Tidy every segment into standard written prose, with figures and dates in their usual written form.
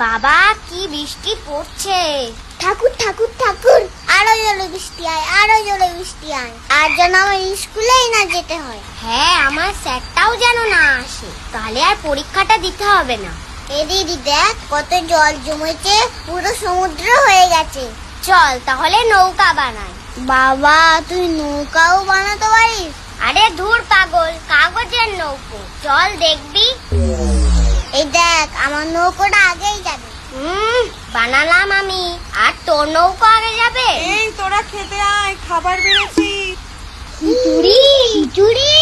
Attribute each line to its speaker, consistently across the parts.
Speaker 1: বাবা কি বৃষ্টি পড়ছে।
Speaker 2: ঠাকুর ঠাকুর ঠাকুর, আরো জোরে বৃষ্টি আয়, আরো জোরে বৃষ্টি আয়, আর যেন আমার স্কুলেই না যেতে হয়।
Speaker 1: হ্যাঁ, আমার স্যারটাও যেন না আসে, তাহলে আর পরীক্ষাটা দিতে হবে না।
Speaker 2: এ দিদি দেখ কত জল জমেছে, পুরো সমুদ্র হয়ে গেছে।
Speaker 1: চল তাহলে নৌকা বানাই।
Speaker 2: বাবা তুই নৌকাও বানাতে পারিস?
Speaker 1: আরে ধুর পাগল, কাগজের নৌকো, চল দেখবি।
Speaker 2: এই দেখ আমার নৌকোটা আগেই যাবে।
Speaker 1: বানালাম আমি, আর তোর নৌকো আগে যাবে।
Speaker 3: এই তোরা খেতে আয়, খাবার বেড়েছি।
Speaker 2: চুরি চুরি,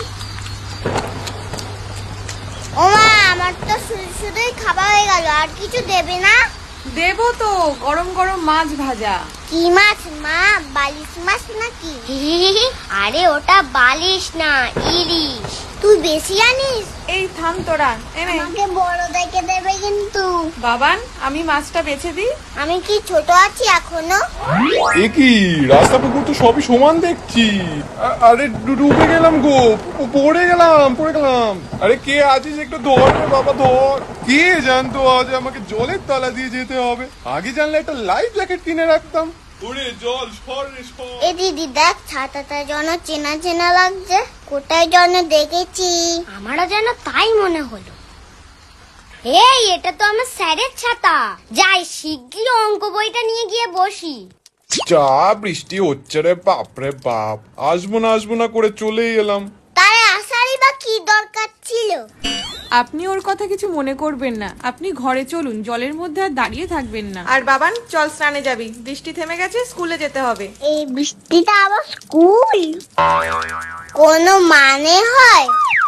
Speaker 2: ওমা আমার তো শুধুই খাবার হয়ে গেল, আর কিছু দেবে না?
Speaker 3: দেবো তো, গরম গরম মাছ ভাজা।
Speaker 2: কি মাছ মা, বালিশ মাছ নাকি?
Speaker 1: আরে ওটা বালিশ না, ইলিশ।
Speaker 2: তুই বেশি জানিস।
Speaker 3: এই থাম তোরা, এনে।
Speaker 2: আমাকে বড় দেখে দেবে কিন্তু।
Speaker 3: বাবান, আমি মাছটা বেছে দিই।
Speaker 2: আমি কি ছোট আছি এখনো?
Speaker 4: এ কি, রাস্তা পুকুর তো সবই সমান দেখছি। আরে ডুবে গেলাম গো, পড়ে গেলাম। আরে কে আছিস, একটু ধর রে বাবা, ধর। কে জানতো আজ আমাকে জলের তলা দিয়ে যেতে হবে। আগে জানলে একটা লাইফ জ্যাকেট কিনে রাখতাম। ওরে জল সর রে সর।
Speaker 2: এ দিদি দেখ ছাতাটা যেন চেনা চেনা লাগছে, কোথায় যেন দেখেছি।
Speaker 1: আমারও যেন তাই মনে হলো। এই এটা তো আমার স্যারের ছাতা। যাই শিগগির অঙ্ক বইটা নিয়ে গিয়ে বসি।
Speaker 4: যা বৃষ্টি হচ্ছে রে বাপরে বাপ, আসবো না করে চলেই এলাম।
Speaker 2: তার আসারই বা কি দরকার ছিল?
Speaker 3: আপনি ওর কথা কিছু মনে করবেন না, আপনি ঘরে চলুন, জলের মধ্যে আর দাঁড়িয়ে থাকবেন না। আর বাবান চল, স্নানে যাবি, বৃষ্টি থেমে গেছে, স্কুলে যেতে হবে।
Speaker 2: এই বৃষ্টিটা আবার স্কুল, কোনো মানে হয়?